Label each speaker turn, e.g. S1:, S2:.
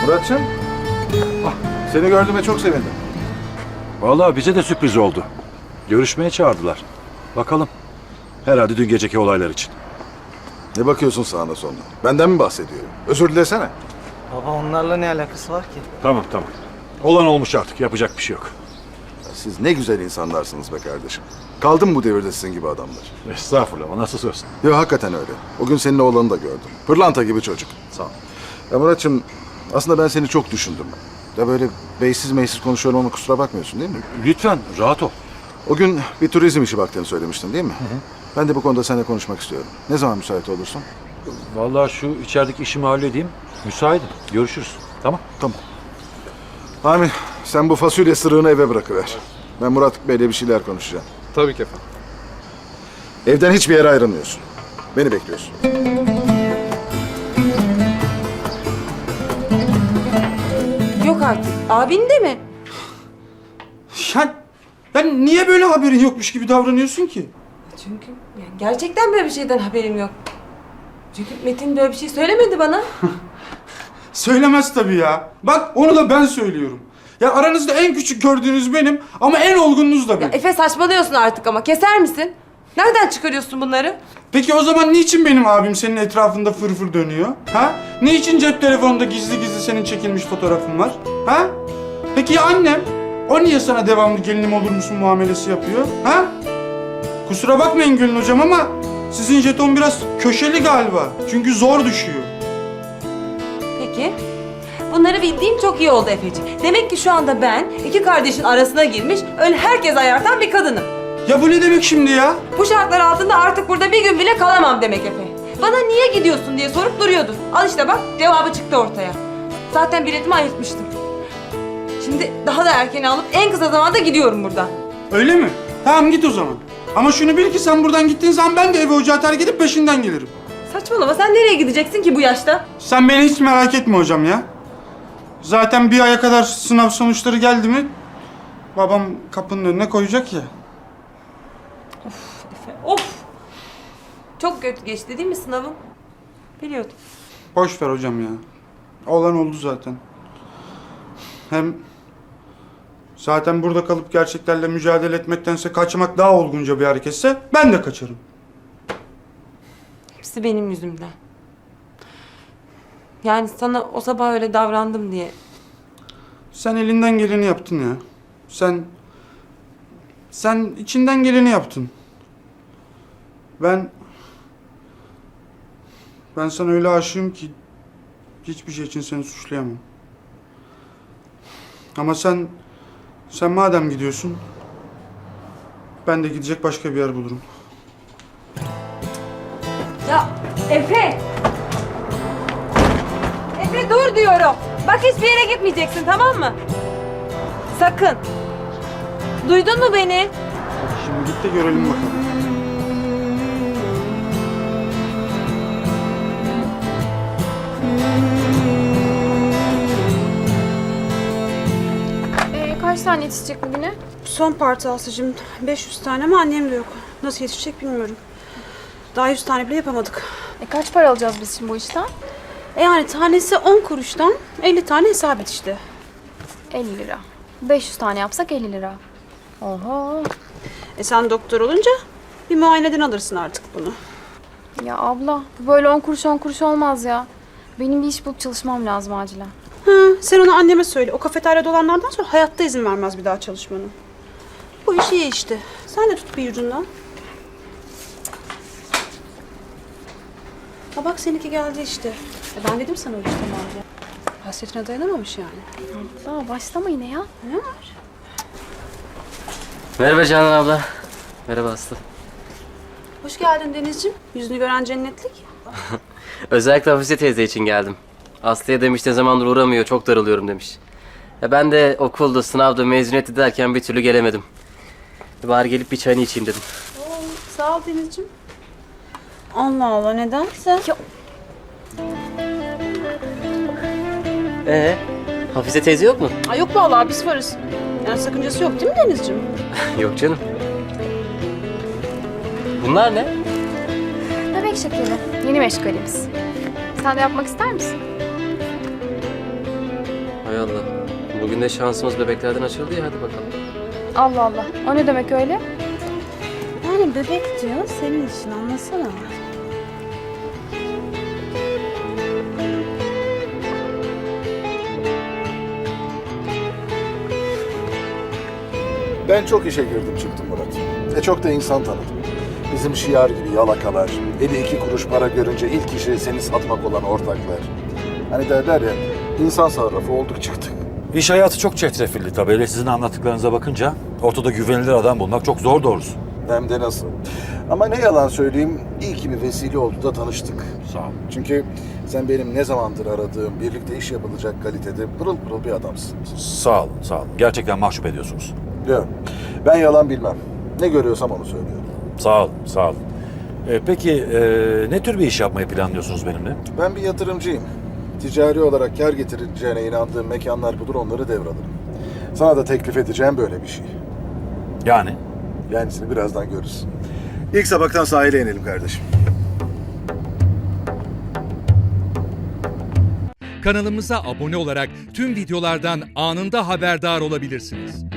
S1: Muratçım, seni gördüğüme çok sevindim.
S2: Vallahi bize de sürpriz oldu. Görüşmeye çağırdılar. Bakalım. Herhalde dün geceki olaylar için.
S1: Ne bakıyorsun sağına soluna? Benden mi bahsediyor? Özür dilesene.
S3: Baba onlarla ne alakası var ki?
S2: Tamam. Olan olmuş artık. Yapacak bir şey yok.
S1: Siz ne güzel insanlarsınız be kardeşim. Kaldı mı bu devirde sizin gibi adamlar?
S2: Estağfurullah. O nasıl söz?
S1: Yok hakikaten öyle. O gün senin oğlanı da gördüm. Pırlanta gibi çocuk.
S2: Sağ ol.
S1: Ya Muratçım, aslında ben seni çok düşündüm. Ya böyle beysiz meysiz konuşuyorum ama kusura bakmıyorsun değil mi?
S2: Lütfen rahat ol.
S1: O gün bir turizm işi baktığını söylemiştin değil mi? Ben de bu konuda seninle konuşmak istiyorum. Ne zaman müsait olursun?
S2: Vallahi şu içerideki işimi halledeyim. Müsaitim. Görüşürüz. Tamam.
S1: Tamam. Amin. Sen bu fasulye sırığını eve bırakıver. Ben Murat Bey'le bir şeyler konuşacağım.
S4: Tabii ki efendim.
S1: Evden hiçbir yere ayrılmıyorsun. Beni bekliyorsun.
S5: Yok artık. Abin de mi?
S6: Ben niye böyle haberin yokmuş gibi davranıyorsun ki?
S5: Çünkü yani gerçekten böyle bir şeyden haberim yok. Çünkü Metin böyle bir şey söylemedi bana.
S6: Söylemez tabii ya. Bak onu da ben söylüyorum. Ya aranızda en küçük gördüğünüz benim ama en olgununuz da benim.
S5: Efe saçmalıyorsun artık ama keser misin? Nereden çıkarıyorsun bunları?
S6: Peki o zaman niçin benim abim senin etrafında fırfır dönüyor? Ha? Niçin cep telefonunda gizli gizli senin çekilmiş fotoğrafın var? Ha? Peki ya annem? O niye sana devamlı gelinim olur musun muamelesi yapıyor? Ha? Kusura bakmayın Gülün hocam ama sizin jeton biraz köşeli galiba. Çünkü zor düşüyor.
S5: Peki. Bunları bildiğim çok iyi oldu Efeciğim. Demek ki şu anda ben iki kardeşin arasına girmiş, öyle herkes ayartan bir kadınım.
S6: Ya bu ne demek şimdi ya?
S5: Bu şartlar altında artık burada bir gün bile kalamam demek Efe. Bana niye gidiyorsun diye sorup duruyordun. Al işte bak cevabı çıktı ortaya. Zaten biletimi ayırtmıştım. Şimdi daha da erken alıp en kısa zamanda gidiyorum buradan.
S6: Öyle mi? Tamam git o zaman. Ama şunu bil ki sen buradan gittiğin zaman ben de evi ocağı terk edip peşinden gelirim.
S5: Saçmalama, sen nereye gideceksin ki bu yaşta?
S6: Sen beni hiç merak etme hocam ya. Zaten bir aya kadar sınav sonuçları geldi mi babam kapının önüne koyacak ya.
S5: Efe, of! Çok kötü geçti değil mi sınavın? Biliyordum.
S6: Boş ver hocam ya. Olan oldu zaten. Hem zaten burada kalıp gerçeklerle mücadele etmektense kaçmak daha olgunca bir hareketse ben de kaçarım.
S5: Hepsi benim yüzümden. Yani sana o sabah öyle davrandım diye.
S6: Sen elinden geleni yaptın ya. Sen içinden geleni yaptın. Ben sana öyle aşığım ki hiçbir şey için seni suçlayamam. Ama sen madem gidiyorsun ben de gidecek başka bir yer bulurum.
S5: Ya Efe! Efe dur diyorum. Bak hiçbir yere gitmeyeceksin, tamam mı? Sakın. Duydun mu beni?
S6: Şimdi git de görelim bakalım.
S7: Kaç tane yetişecek bugüne?
S8: Son parti Aslı'cığım. 500 tane ama annem de yok. Nasıl yetişecek bilmiyorum. Daha 100 tane bile yapamadık.
S7: Kaç para alacağız biz şimdi bu işten?
S8: Yani tanesi 10 kuruştan 50 tane hesap et işte.
S7: 50 lira. 500 tane yapsak 50 lira. Oha.
S8: Sen doktor olunca bir muayeneden alırsın artık bunu.
S7: Ya abla bu böyle 10 kuruş olmaz ya. Benim bir iş bulup çalışmam lazım acilen.
S8: Sen onu anneme söyle. O kafeteryada olanlardan sonra hayatta izin vermez bir daha çalışmanı. Bu iş iyi işte. Sen de tut bir ucundan. Ha bak seninki geldi işte. Ben dedim sana öyle tamam diye. Hasretine dayanamamış yani.
S7: Abla başlama yine ya.
S8: Ne var?
S9: Merhaba Canan abla. Merhaba Aslı.
S8: Hoş geldin Denizciğim. Yüzünü gören cennetlik.
S9: Özellikle Hafize teyze için geldim. Aslı'ya demiş ne zamandır uğramıyor, çok darılıyorum demiş. Ben de okulda, sınavda, mezuniyeti derken bir türlü gelemedim. Bari gelip bir çayını içeyim dedim.
S8: Sağ ol Denizciğim. Allah Allah nedense.
S9: Hafize teyze yok mu?
S8: Ay yok vallahi biz varız. Yani sakıncası yok değil mi Denizciğim?
S9: Yok canım. Bunlar ne?
S7: Bebek şekeri. Yeni meşgalimiz. Sen de yapmak ister misin?
S9: Hay Allah. Bugün de şansımız bebeklerden açıldı ya, hadi bakalım.
S7: Allah Allah. O ne demek öyle?
S8: Yani bebek diyor senin için, anlasana.
S1: Ben çok işe girdim çıktım Murat. Çok da insan tanıdım. Bizim şiar gibi yalakalar, eli 2 kuruş para görünce ilk işi seni satmak olan ortaklar. Hani derler ya, insan sarrafı olduk çıktık.
S2: İş hayatı çok çetrefilli tabii. Öyle sizin anlattıklarınıza bakınca ortada güvenilir adam bulmak çok zor doğrusu.
S1: Hem de nasıl. Ama ne yalan söyleyeyim, iyi ki bir vesile oldu da tanıştık.
S2: Sağ ol.
S1: Çünkü sen benim ne zamandır aradığım, birlikte iş yapılacak kalitede pırıl pırıl bir adamsın.
S2: Sağ olun, sağ olun. Gerçekten mahcup ediyorsunuz.
S1: Yok, ben yalan bilmem. Ne görüyorsam onu söylüyorum.
S2: Sağ olun, sağ olun. Peki ne tür bir iş yapmayı planlıyorsunuz benimle?
S1: Ben bir yatırımcıyım. Ticari olarak kar getireceğine inandığım mekanlar budur, onları devralırım. Sana da teklif edeceğim böyle bir şey.
S2: Yani?
S1: Yenisini birazdan görürüz. İlk sabahtan sahile inelim kardeşim.
S4: Kanalımıza abone olarak tüm videolardan anında haberdar olabilirsiniz.